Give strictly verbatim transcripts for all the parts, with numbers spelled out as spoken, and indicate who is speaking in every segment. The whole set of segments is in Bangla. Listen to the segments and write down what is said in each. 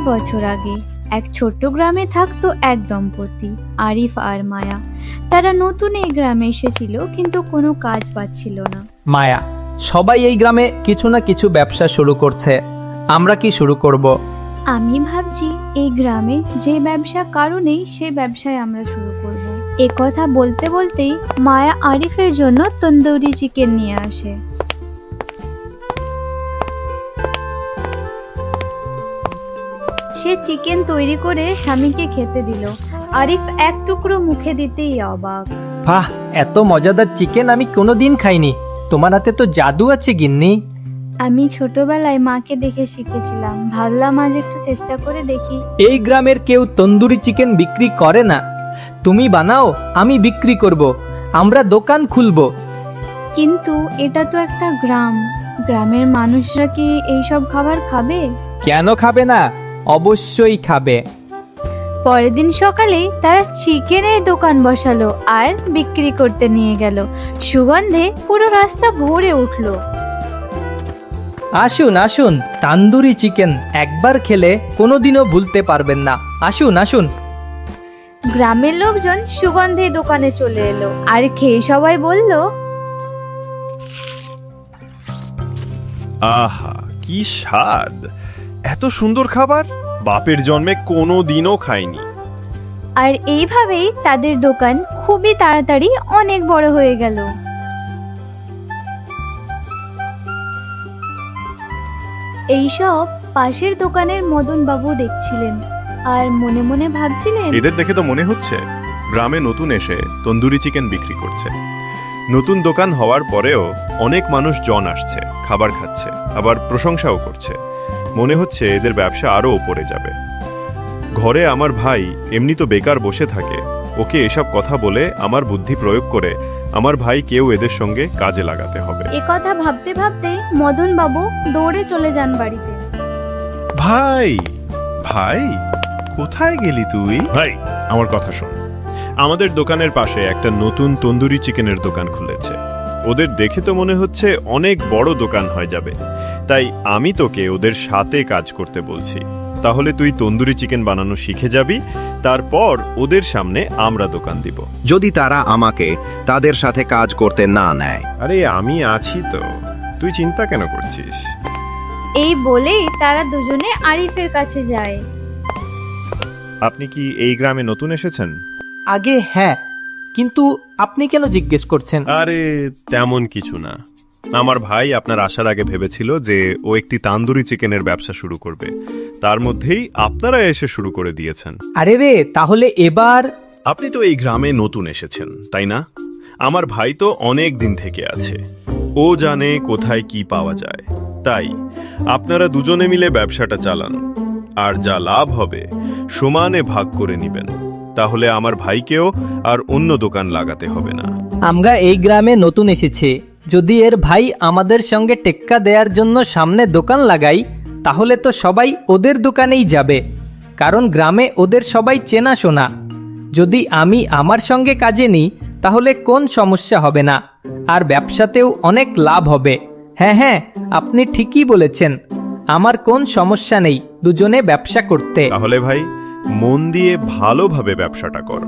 Speaker 1: বছর আগে এক ছোট্ট গ্রামে থাকতো এক দম্পতি, আরিফ আর মায়া। তারা নতুন এই গ্রামে এসেছিল, কিন্তু কোনো কাজ পাচ্ছিল না।
Speaker 2: মায়া, সবাই এই গ্রামে কিছু না কিছু ব্যবসা শুরু করছে, আমরা কি শুরু করব?
Speaker 1: আমি ভাবছি এই গ্রামে যে ব্যবসা কারো নেই, সেই ব্যবসায় আমরা শুরু করব। এ কথা বলতে বলতেই মায়া আরিফের জন্য তন্দুরি চিকেন নিয়ে আসে। সে চিকেন তৈরি করে স্বামীকে খেতে দিল। আরিফ এক টুকরো মুখে দিতেই অবাক।
Speaker 2: বাহ, এত মজাদার চিকেন আমি কোনোদিন খাইনি। তোমার হাতে তো জাদু আছে গিন্নি।
Speaker 1: আমি ছোটবেলায় মাকে দেখে শিখেছিলাম, ভাবলাম আজ একটু চেষ্টা করে দেখি।
Speaker 2: এই গ্রামের কেউ তন্দুরি চিকেন বিক্রি করে না, তুমি বানাও, আমি বিক্রি করব, আমরা দোকান খুলব।
Speaker 1: কিন্তু এটা তো একটা গ্রাম, গ্রামের মানুষরা কি এইসব খাবার খাবে?
Speaker 2: কেন খাবে না? অবশ্যই খাবে।
Speaker 1: পরের দিন সকালে তারা চিকেনের দোকান বসালো আর বিক্রি করতে নিয়ে গেল। সুগন্ধে পুরো রাস্তা ভরে উঠলো।
Speaker 2: আসুন আসুন, তান্দুরি চিকেন একবার খেলে কোনোদিনও ভুলতে পারবেন না। আসুন আসুন।
Speaker 1: গ্রামের লোকজন সুগন্ধে দোকানে চলে এলো আর খেয়ে সবাই বলল,
Speaker 3: আহা, কি স্বাদ! এত সুন্দর খাবার বাপের জন্মে কোনো দিনও খাইনি।
Speaker 1: আর এইভাবেই তাদের দোকান খুবই তাড়াতাড়ি অনেক বড় হয়ে গেল। এইসব পাশের দোকানের মদন বাবু দেখছিলেন আর মনে মনে ভাবছিলেন,
Speaker 3: এদের দেখে তো মনে হচ্ছে গ্রামে নতুন এসে তন্দুরি চিকেন বিক্রি করছে। নতুন দোকান হওয়ার পরেও অনেক মানুষ জন আসছে, খাবার খাচ্ছে, আবার প্রশংসাও করছে। মনে হচ্ছে এদের ব্যবসা আরো উপরে যাবে। ঘরে আমার ভাই এমনি তো বেকার বসে থাকে, ওকে এসব কথা বলে আমার বুদ্ধি প্রয়োগ করে আমার ভাই কেউ এদের সঙ্গে কাজে লাগাতে হবে।
Speaker 1: এ কথা ভাবতে ভাবতে মদন বাবু দৌড়ে চলে যান বাড়িতে।
Speaker 3: ভাই ভাই কোথায় গেলি তুই? ভাই, আমার কথা শোন। আমাদের দোকানের পাশে একটা নতুন তন্দুরি চিকেনের দোকান খুলেছে। ওদের দেখে তো মনে হচ্ছে অনেক বড় দোকান হয়ে যাবে, তাই আমি তোকে ওদের সাথে কাজ করতে বলছি। তাহলে তুই তন্দুরি চিকেন বানানো শিখে যাবি, তারপর ওদের সামনে আমরা দোকান দিব।
Speaker 4: যদি তারা আমাকে তাদের সাথে কাজ করতে না নেয়।
Speaker 3: আরে আমি আছি তো, তুই চিন্তা কেন করছিস?
Speaker 1: এই বলেই তারা দুজনে আরিফের কাছে যায়।
Speaker 3: আপনি কি এই গ্রামে নতুন এসেছেন?
Speaker 2: আগে হ্যাঁ, কিন্তু আপনি কেন জিজ্ঞেস করছেন?
Speaker 3: আরে তেমন কিছু না। আমার ভাই আপনার আসার আগে ভেবেছিল যে ও একটি তান্দুরি চিকেনের ব্যবসা শুরু করবে, তার মধ্যেই আপনারা এসে শুরু করে দিয়েছেন।
Speaker 2: আরে রে, তাহলে এবার?
Speaker 3: আপনি তো এই গ্রামে নতুন এসেছেন, তাই না? আমার ভাই তো অনেক দিন থেকে আছে, ও জানে কোথায় কি পাওয়া যায়। তাই আপনারা দুজনে মিলে ব্যবসাটা চালান, আর যা লাভ হবে সমানে ভাগ করে নেবেন। তাহলে আমার ভাইকেও আর অন্য দোকান লাগাতে হবে না।
Speaker 2: আমরা এই গ্রামে নতুন এসেছি, যদি এর ভাই আমাদের সঙ্গে টেক্কা দেওয়ার জন্য সামনে দোকান লাগাই, তাহলে তো সবাই ওদের দোকানেই যাবে, কারণ গ্রামে ওদের সবাই চেনাশোনা। যদি আমি আমার সঙ্গে কাজে নিই, তাহলে কোন সমস্যা হবে না, আর ব্যবসাতেও অনেক লাভ হবে। হ্যাঁ হ্যাঁ, আপনি ঠিকই বলেছেন, আমার কোন সমস্যা নেই দুজনে ব্যবসা করতে।
Speaker 3: তাহলে ভাই, মন দিয়ে ভালোভাবে ব্যবসাটা কর।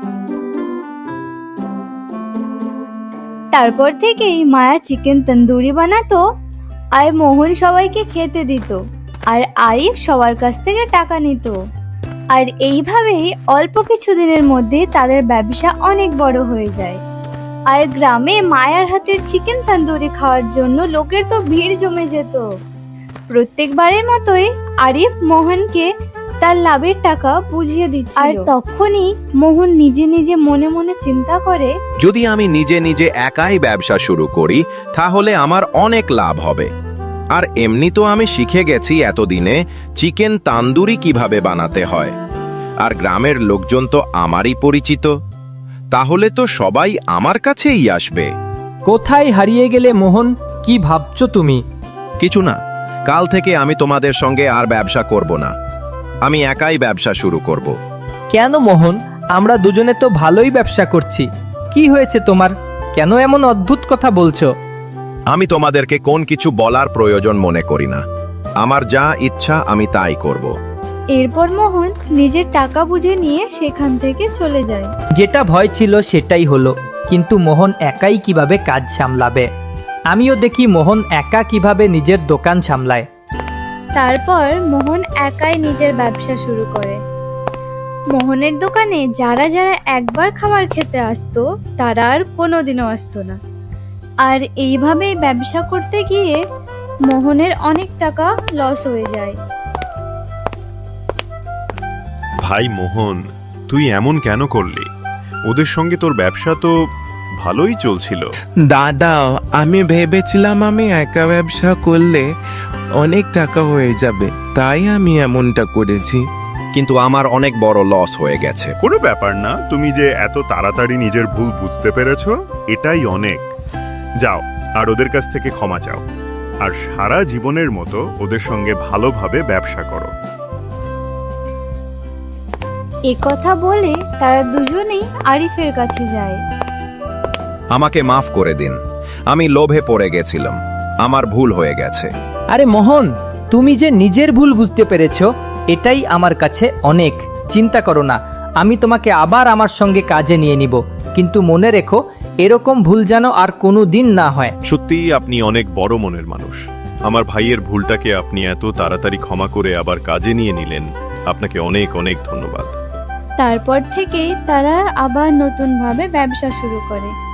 Speaker 1: তারপর থেকেই মায়া চিকেন তন্দুরি বানাতো আর মোহন সবাইকে খেতে দিত, আর আরিফ সবার কাছ থেকে টাকা নিত। আর এইভাবেই অল্প কিছু দিনের মধ্যে তাদের ব্যবসা অনেক বড় হয়ে যায়। আর গ্রামে মায়ার হাতের চিকেন তন্দুরি খাওয়ার জন্য লোকের তো ভিড় জমে যেত। প্রত্যেকবারের মতোই আরিফ মোহনকে তার লাভের টাকা বুঝিয়ে দিচ্ছিল। আর তখনই মোহন নিজে নিজে মনে মনে চিন্তা করে,
Speaker 4: যদি আমি নিজে নিজে একাই ব্যবসা শুরু করি, তাহলে আমার অনেক লাভ হবে। আর এমনি তো আমি শিখে গেছি এতদিনে চিকেন তান্দুরি কিভাবে বানাতে হয়, আর গ্রামের লোকজন তো আমারই পরিচিত, তাহলে তো সবাই আমার কাছেই আসবে।
Speaker 2: কোথায় হারিয়ে গেলে মোহন? কি ভাবছো তুমি?
Speaker 4: কিছু না, কাল থেকে আমি তোমাদের সঙ্গে আর ব্যবসা করব না, আমি একাই ব্যবসা শুরু করব।
Speaker 2: কেন মোহন? আমরা দুজনে তো ভালোই ব্যবসা করছি, কি হয়েছে তোমার? কেন এমন অদ্ভুত কথা বলছো?
Speaker 4: আমি তোমাদেরকে কোন কিছু বলার প্রয়োজন মনে করি না, আমার যা ইচ্ছা আমি তাই করব।
Speaker 1: এরপর মোহন নিজের টাকা বুঝে নিয়ে সেখান থেকে চলে যায়।
Speaker 2: যেটা ভয় ছিল সেটাই হলো, কিন্তু মোহন একাই কিভাবে কাজ সামলাবে। আমিও দেখি মোহন একা কিভাবে নিজের দোকান সামলায়।
Speaker 1: তারপর মোহন একাই নিজের ব্যবসা শুরু করে। মোহনের দোকানে যারা যারা একবার খাবার খেতে আসতো তারা আর কোনোদিনও আসতো না। আর এইভাবেই ব্যবসা করতে গিয়ে মোহনের অনেক টাকা লস হয়ে যায়।
Speaker 3: ভাই মোহন, তুই এমন কেন করলি? ওদের সঙ্গে তোর ব্যবসা তো ভালোই চলছিল।
Speaker 5: দাদা, আমি ভেবেছিলাম আমি একা ব্যবসা করলে অনেক টাকা হয়ে যাবে, তাই আমি এমনটা করেছি।
Speaker 4: কিন্তু আমার অনেক বড় লস হয়ে গেছে।
Speaker 3: কোনো ব্যাপার না, তুমি যে এত তাড়াতাড়ি নিজের ভুল বুঝতে পেরেছো এটাই অনেক। যাও আর ওদের কাছ থেকে ক্ষমা চাও, আর সারা জীবনের মতো ওদের সঙ্গে ভালোভাবে ব্যবসা করো।
Speaker 1: এ কথা বলে তারা দুজনেই আরিফের কাছে যায়।
Speaker 4: আমাকে মাফ করে দিন, আমি লোভে পড়ে গেছিলাম, আমার ভুল হয়ে গেছে।
Speaker 2: আরে মোহন, তুমি যে নিজের ভুল বুঝতে পেরেছো এটাই আমার কাছে অনেক। চিন্তা করো না, আমি তোমাকে আবার আমার সঙ্গে কাজে নিয়ে নিব, কিন্তু মনে রেখো এরকম ভুল যেন আর কোনো দিন না হয়।
Speaker 3: সত্যিই আপনি অনেক বড় মনের মানুষ। আমার ভাইয়ের ভুলটাকে আপনি এত তাড়াতাড়ি ক্ষমা করে আবার কাজে নিয়ে নিলেন, আপনাকে অনেক অনেক ধন্যবাদ।
Speaker 1: তারপর থেকেই তারা আবার নতুনভাবে ব্যবসা শুরু করে।